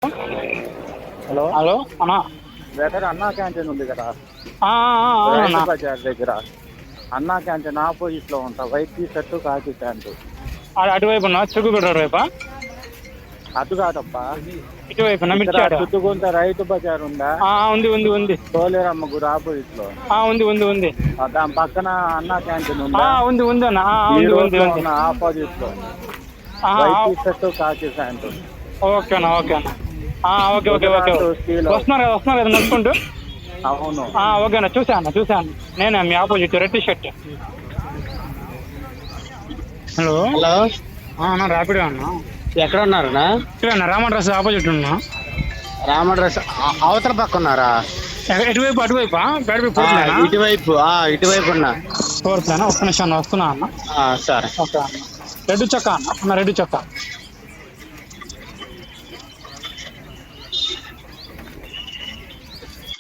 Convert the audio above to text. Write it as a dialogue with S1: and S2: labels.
S1: Hello
S2: hello అన్నా.
S1: దగ్గర అన్నా క్యాంటీన్ ఉంది కదా
S2: అవునన్నా.
S1: రైతు బజార్ దగ్గర. అన్నా క్యాంటీన్ ఆపోజిట్ లో ఉంటా. వైట్ టీ షర్ట్ కాకి ప్యాంటు.
S2: అటువైపు ఉన్నా చిరుగుబెట్ట వైపా?
S1: అటు కాదప్పా,
S2: ఇటువైపునా
S1: ఇక్కడ
S2: మిర్చి అటు?
S1: చుట్టుకుంట రైతు బజార్ ఉందా,
S2: ఉంది ఉంది ఉంది.
S1: తోలేరమ్మ గుడి ఆపోజిట్ లో.
S2: ఉంది ఉంది ఉంది.
S1: దాని పక్కన అన్నా క్యాంటీన్ ఉందా,
S2: ఉంది ఉంది అన్న.
S1: ఈ
S2: ఉంది
S1: రోడ్
S2: ఉంది
S1: లో
S2: ఉంది.
S1: ఉన్న ఆపోజిట్ లో వైట్ టీ షర్ట్ కాకి ప్యాంటు.
S2: ఓకే అన్న, ఓకే అన్న. Okay okay okay.
S1: స్టీల్
S2: వస్తున్నారు కదా నడుచుకుంటూ?
S1: అవును.
S2: ఓకే అన్న, చూసాను. నేనే మీ opposite red T shirt. Hello
S3: hello,
S2: అన్న, ర్యాపిడో అన్న.
S3: ఎక్కడ ఉన్నారన్నా?
S2: అన్న రామన్ డ్రెస్ ఆపోజిట్ ఉన్నా.
S3: రామడ్రస్ అవతల పక్క ఉన్నారా?
S2: ఎటువైపు? అటువైపా?
S3: ఇటువైపు ఉన్నా.
S2: ఫోర్త్ అన్న, ఒక్క నిమిషం అన్న, వస్తున్నా అన్న.
S3: సరే.
S2: ఓకే అన్న. రెడ్ చొక్కా అన్న, రెడ్ చొక్కా.